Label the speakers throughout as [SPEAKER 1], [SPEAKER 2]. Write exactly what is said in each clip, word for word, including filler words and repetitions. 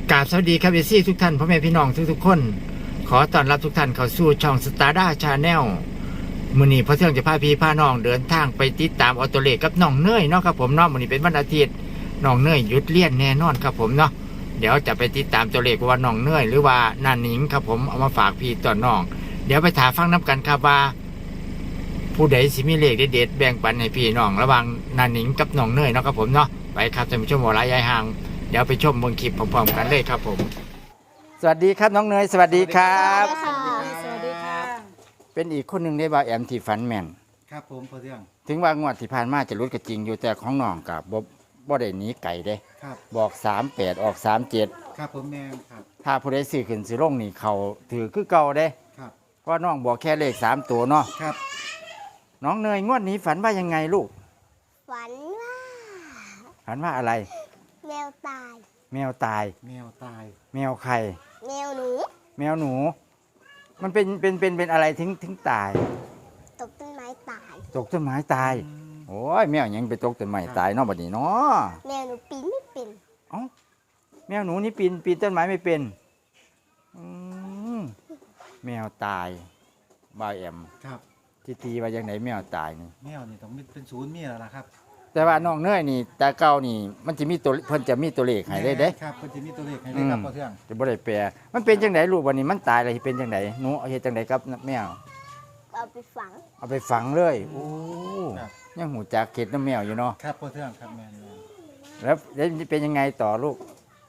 [SPEAKER 1] กราบสวัสดีครับเอซี่ทุกท่านพ่อแม่พี่น้องทุกๆคนขอต้อนรับทุกท่านเข้าสู่ช่องสตาร์ด้าชาแนลมื้อนี้พระเที่ยงจะพาพี่พาน้องเดินทางไปติดตามออโตเลกับน้องเนยเนาะครับผมเนาะมื้อนี้เป็นวันอาทิตย์น้องเนยหยุดเรียนแน่นอนครับผมเนาะเดี๋ยวจะไปติดตามตัวเลขว่าน้องเนยหรือว่านาหนิงครับผมเอามาฝากพี่ต่อน้องเดี๋ยวไปถามฟังน้ำกันครับว่าผู้ใดสิมีเลขเด็ดๆแบ่งปันให้พี่น้องระหว่างนาหนิงกับน้องเนยเนาะครับผมเนาะไปครับท่านผู้ชมหัวร้ายยายห่างเดี๋ยวไปชมเบิ่งคลิปพร้อมๆกันเลยครับผมสวัสดีครับน้องเนยสวัสดีครับ
[SPEAKER 2] สวัสดีค่ะ
[SPEAKER 1] เป็นอีกคนหนึ่งได้บ่าวแอมที่ฝันแม่น
[SPEAKER 3] ครับผมพอเรื่อง
[SPEAKER 1] ถึงว่างวดที่ผ่านมาจะรุดก็จริงอยู่แต่ของน้องกับบ่บ่ได้หนีไก่เด้
[SPEAKER 3] ครับ
[SPEAKER 1] บอกสามแปดออกสามเจ็ด
[SPEAKER 3] ครับผมแม่ครับ
[SPEAKER 1] ถ้าผู้ใดซื้อขึ้นซื้อลงนี่เขาถือคือเก่าเด้
[SPEAKER 3] ครับ
[SPEAKER 1] เพราะน้องบอกแค่เลขสามตัวเนาะ
[SPEAKER 3] ครับ
[SPEAKER 1] น้องเนยงวดนี้ฝันว่ายังไงลูก
[SPEAKER 2] ฝันว่า
[SPEAKER 1] ฝันว่าอะไร
[SPEAKER 2] แมวตาย
[SPEAKER 1] แมวตาย
[SPEAKER 3] แมวตาย
[SPEAKER 1] แมวใคร
[SPEAKER 2] แมวหนู
[SPEAKER 1] แมวหนู มันเป็นเป็นเป็นเป็นอะไรถึงถึงตาย
[SPEAKER 2] ตกต้นไม้ตาย
[SPEAKER 1] ตกต้นไม้ตายโอ้ยแมวยังไปตกต้นไม้ตายเนาะบัดนี้เนาะ
[SPEAKER 2] แมวหนูปีนไม่เป็น
[SPEAKER 1] เอ้าแมวหนูนี่ปีนปีนต้นไม้ไม่เป็นอืมแมวตายบ่าวแอม
[SPEAKER 3] ครับ
[SPEAKER 1] ที่ตีว่ายังไหนแมวตายนี่
[SPEAKER 3] แมวนี่ต้องมีเป็นศูนย์มีแล้วล่ะครับ
[SPEAKER 1] แต่ว่าน้องเนยนี่แต่เก่านี่ มันจะมีตัวเพิ่นจะมีตัวเลขให้ได้เด้
[SPEAKER 3] ครับเพิ่นจะมีตัวเลขให้ได้ครับพอเรื่อง
[SPEAKER 1] จะบ่ได้แปลมันเป็นจังไดลูกวันนี้มันตายแล้วสิเป็นจังไดหนูเอาเฮ็ดจังไดครับแมว
[SPEAKER 2] เอาไปฝัง
[SPEAKER 1] เอาไปฝังเลยโอ้
[SPEAKER 3] ครับ
[SPEAKER 1] ยังหูจักเข็ดน้ำแมวอยู่เนาะ
[SPEAKER 3] ครับพอเรื่องครับแม่น
[SPEAKER 1] แล้วแล้วมันเป็นยังไงต่อลูก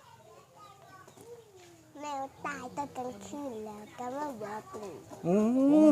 [SPEAKER 2] แมวตายตอนกลางคืนแล้วก็มาบอกหนู
[SPEAKER 1] โอ้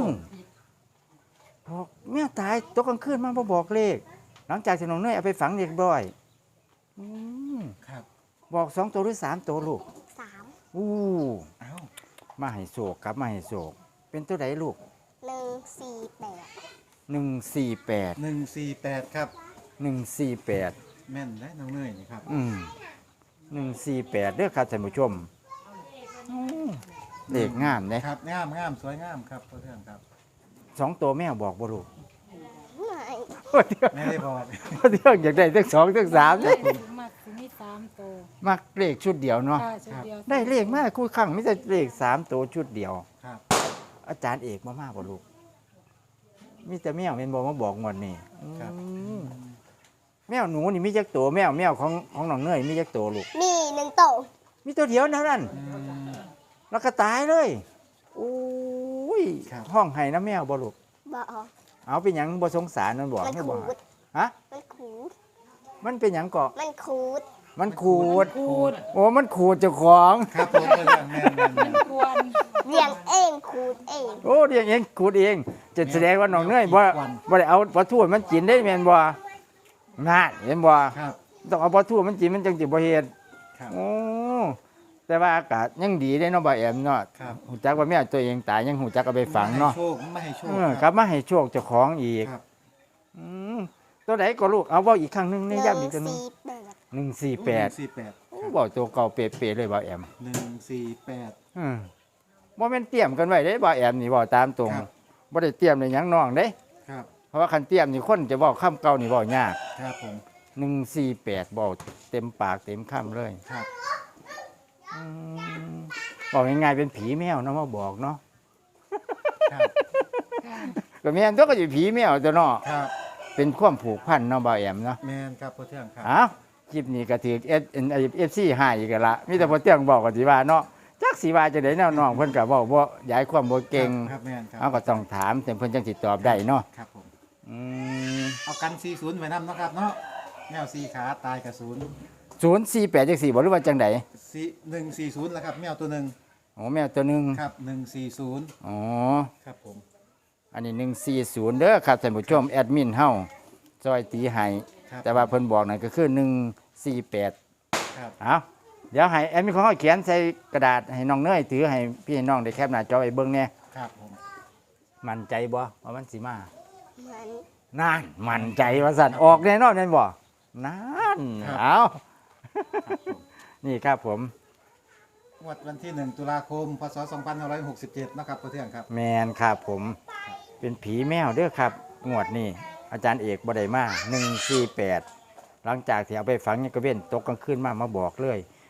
[SPEAKER 1] บอกแม่ตายตกกลางคืนมาบ่บอกเลข หลังจากที่น้องเนยเอาไปฝังเรียบร้อยอืม
[SPEAKER 3] ครับ
[SPEAKER 1] บอกสองตัวหรือสามตัวลูก
[SPEAKER 2] สาม
[SPEAKER 1] อู้
[SPEAKER 3] เอ้า
[SPEAKER 1] มาให้โศกครับมาให้โศกเป็นตัวไหนลูก
[SPEAKER 2] หนึ่งสี่แปด
[SPEAKER 1] หนึ่งสี่แปด
[SPEAKER 3] หนึ่งสี่แปดครับ
[SPEAKER 1] หนึ่งสี่แปด
[SPEAKER 3] แม่นและน้องเนยนี่ครับ
[SPEAKER 1] อืมหนึ่งสี่แปดเด้อครับท่านผู้ชมอืมเลขงามเนี่ย
[SPEAKER 3] ครับงามงามสวยงามครับพอเรื่องครับ
[SPEAKER 1] สองตัวแม่บอกบ่ลูก
[SPEAKER 2] ไม่
[SPEAKER 3] ไม่ได้บอก
[SPEAKER 1] เรื่องอยากได้ทั้งสองทั้งสามเนี่ย
[SPEAKER 4] มักสิมีสามตัว
[SPEAKER 1] มักเลขชุดเดียวเนาะ
[SPEAKER 4] ค่ะชุดเดียว
[SPEAKER 1] ได้เลขมากคู่ครั้งไม่ใช่เลขสามตัวชุดเดียว
[SPEAKER 3] ครับ
[SPEAKER 1] อาจารย์เอกมามากบ่ลูกมีแต่แมวเป็นบอกมาบอกงวดนี้
[SPEAKER 3] ครับ
[SPEAKER 1] อืมแมวหนูนี่มีจักตัวแมวแมวของของน้องเนยมีจักตัวลูก
[SPEAKER 2] มีหนึ่งโตะ
[SPEAKER 1] มีตัวเดียวเท่านั้น
[SPEAKER 3] อืม
[SPEAKER 1] แล้วก็ตายเลยโอ้ย
[SPEAKER 3] ครับ
[SPEAKER 1] ห้องไห้น้ำแมวบ่ลูก
[SPEAKER 2] บอก
[SPEAKER 1] เอาเป็นหยังบ่สงสารมันบอก
[SPEAKER 2] มัน
[SPEAKER 1] ให้
[SPEAKER 2] ขู
[SPEAKER 1] บอก
[SPEAKER 2] ด
[SPEAKER 1] ฮะ
[SPEAKER 2] มันขูด
[SPEAKER 1] มันเป็นหยังเกาะ
[SPEAKER 2] มันขูด
[SPEAKER 1] มันขูด
[SPEAKER 4] ขูด
[SPEAKER 1] โอ้มันขูดเจ้าของ
[SPEAKER 3] ครับผมพอเรื่องแม่นแม่นแม่น
[SPEAKER 4] ควร
[SPEAKER 2] เลี้ยงเองขูดเอง
[SPEAKER 1] โอ้เรียกเองขูดเอง จะแสดงว่าน้องเนยบ่บ่ได้เอาปลาทูมันกินได้แม่นบ่น่าเห็นบ่
[SPEAKER 3] ครับ
[SPEAKER 1] ต้องเอาปลาทูมันกินมันจังสิบ่เฮ็ด
[SPEAKER 3] ครับ
[SPEAKER 1] โอ้แต่ว่าอากาศยังดีได้เนาะบ่แอมเนาะ
[SPEAKER 3] ครับ
[SPEAKER 1] หูจักว่าแม่ตัวเองตายยังหูจักเอาไปฝังเนาะ
[SPEAKER 3] ไม่ให้โชคไม่ให้โชค
[SPEAKER 1] เออกลับมาให้โชคเจ้าของอีก
[SPEAKER 3] ครับ
[SPEAKER 1] อืมตัวไหนก็ลูกเอาเว้าอีกครั้งหนึง
[SPEAKER 2] ห
[SPEAKER 1] ใน
[SPEAKER 2] นึ่ง
[SPEAKER 1] ย้ำอีกตัวหนึง
[SPEAKER 2] สี่แปด
[SPEAKER 1] หนึ่งสี่แปด
[SPEAKER 3] สี่แปด
[SPEAKER 1] โอ้บอกตัวเก่าเป๊ะๆเลยบ่าวแอม
[SPEAKER 3] หนึ่งสี่แปด
[SPEAKER 1] อืมบ่แม่นเตรียมกันไว้เด้บ่าวแอมนี่บ่ตามตรง
[SPEAKER 3] ครับ
[SPEAKER 1] บ่ได้เตรียมเลยหยังน้องเด้
[SPEAKER 3] ครับ
[SPEAKER 1] เพราะว่าคันเตรียมนี่คนจะบอกคำเก่านี่บ่ยาก
[SPEAKER 3] ครับผม
[SPEAKER 1] หนึ่งสี่แปดบอกเต็มปากเต็มคำเลย
[SPEAKER 3] ครับ
[SPEAKER 1] อืมบอกง่ายๆเป็นผีแมวเนาะมาบอกเนาะ
[SPEAKER 3] ครับ
[SPEAKER 1] ก็แม่นตัวก็สิผีแมวตัวเนาะ
[SPEAKER 3] ครับ
[SPEAKER 1] เป็นความผูกพันเนาะบ่าวแอมเนาะ
[SPEAKER 3] แมนครับพ่อเทืองครับ
[SPEAKER 1] อ้าวคลิปนี้ก็ถือ S F C หายอีกแล้วละมีแต่พอเตียงบอกก็สิว่าเนาะจักสิว่าจะได้แนวน้องเพิ่นก็บอกบ่ย้ายความบ่เก่ง
[SPEAKER 3] ครับแมนครั
[SPEAKER 1] เอาก็ต้องถามแต่เพิ่นจังสิตอบได้เนาะ
[SPEAKER 3] ครับผม
[SPEAKER 1] อืม
[SPEAKER 3] เอากันสี่ศูนย์ไว้นำเนาะครับเนาะแมวสี่ขาตายกับศูนย์
[SPEAKER 1] ศูนย์สี่แปดจังสี่บ่หรือว่าจังได
[SPEAKER 3] สี่หนึ่งสี่ศูนย์แล้วครับแมวตัวหนึ่ง
[SPEAKER 1] อ๋อแมวตัวหนึง
[SPEAKER 3] ครับหนึ่งสี่ศูนย์
[SPEAKER 1] อ๋อ
[SPEAKER 3] ครับผม
[SPEAKER 1] อันนี้หนึ่งสี่ศูนย์เด้อครับท่านผู้ชมแอดมินเฮาซอยตีให้
[SPEAKER 3] ครับ
[SPEAKER 1] แต่ว่าเพิ่นบอกนั่นก็คือหนึ่งสี่แปด
[SPEAKER 3] ครับ
[SPEAKER 1] เอาเดี๋ยวให้แอดมินของเฮาเขียนใส่กระดาษให้น้องเนยถือให้พี่น้องได้แคปหน้าจอไว้เบิ่งแน่
[SPEAKER 3] ครับผม
[SPEAKER 1] มั่นใจบ่ว่ามันสิมา
[SPEAKER 2] มัน
[SPEAKER 1] นั่นมั่นใจว่าสั่นออกแน่นอนแม่นบ่นั่นเอานี่ครับผม
[SPEAKER 3] งวดวันที่หนึ่งตุลาคมพศสองพันห้าร้อยหกสิบเจ็ดนะครับพ่อเทืองครับ
[SPEAKER 1] แมนครับผมเป็นผีแมวเด้อครับงวดนี้อาจารย์เอกบ่ได้มาหนึ่งสี่แปดหลังจากที่เอาไปฝังเนี่ยก็เว้นตกกลางคืนมามาบอกเลย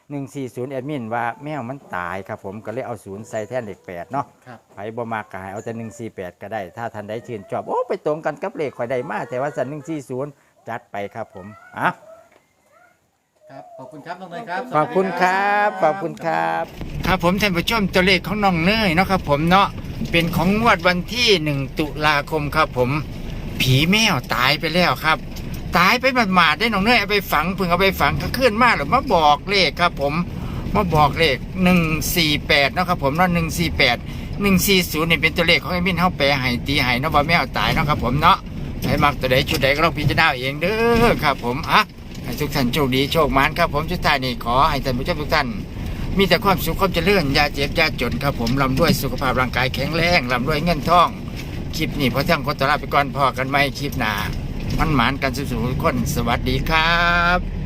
[SPEAKER 1] หนึ่งสี่ศูนย์แอดมินว่าแมวมันตายครับผมก็เลยเอาศูนย์ใส่แทนเลขแปดเนาะ
[SPEAKER 3] ครับ
[SPEAKER 1] ไผบ่มากก็ให้เอาแต่หนึ่งสี่แปดก็ได้ ถ้าท่านใดชื่นชอบโอ้ไปตรงกันกับเลขข่อยได้มาแต่ว่าสันหนึ่งสี่ศูนย์จัดไปครับผมอ่ะ
[SPEAKER 3] ครับขอบคุณครับน้องเนยครับ
[SPEAKER 1] ขอบคุณครับขอบคุณครับ ครับผมท่านผู้ชมตัวเลขของน้องเนยเนาะครับผมเนาะเป็นของงวดวันที่หนึ่งตุลาคมครับผม ผีแมวตายไปแล้วครับ ตายไปหมาดๆได้น้องเนยเอาไปฝังเพิ่งเอาไปฝังก็ขึ้นมาหรือมาบอกเลขครับผมมาบอกเลขหนึ่งสี่แปดเนาะครับผมเนาะหนึ่งสี่แปดหนึ่งสี่ศูนย์นี่เป็นตัวเลขของไอ้มินเฮาแปลให้ตีให้เนาะว่าแมวตายเนาะครับผมเนาะใครมักตัวใดชุดใดก็ลองพิจารณาเองเด้อครับผมอ่ะให้ทุกท่านโชคดีโชคมานครับผมสุดท้ายนี่ขอให้ท่านผู้ชมทุกท่านมีแต่ความสุขความเจริญอย่าเจ็บอย่าจนครับผมร่ำด้วยสุขภาพร่างกายแข็งแรงร่ำด้วยเงินทองคลิปนี้พอเที่ยงขอตัวลาไปก่อนพอกันไหมคลิปหน้ามันหมานกันสุขๆทุกคนสวัสดีครับ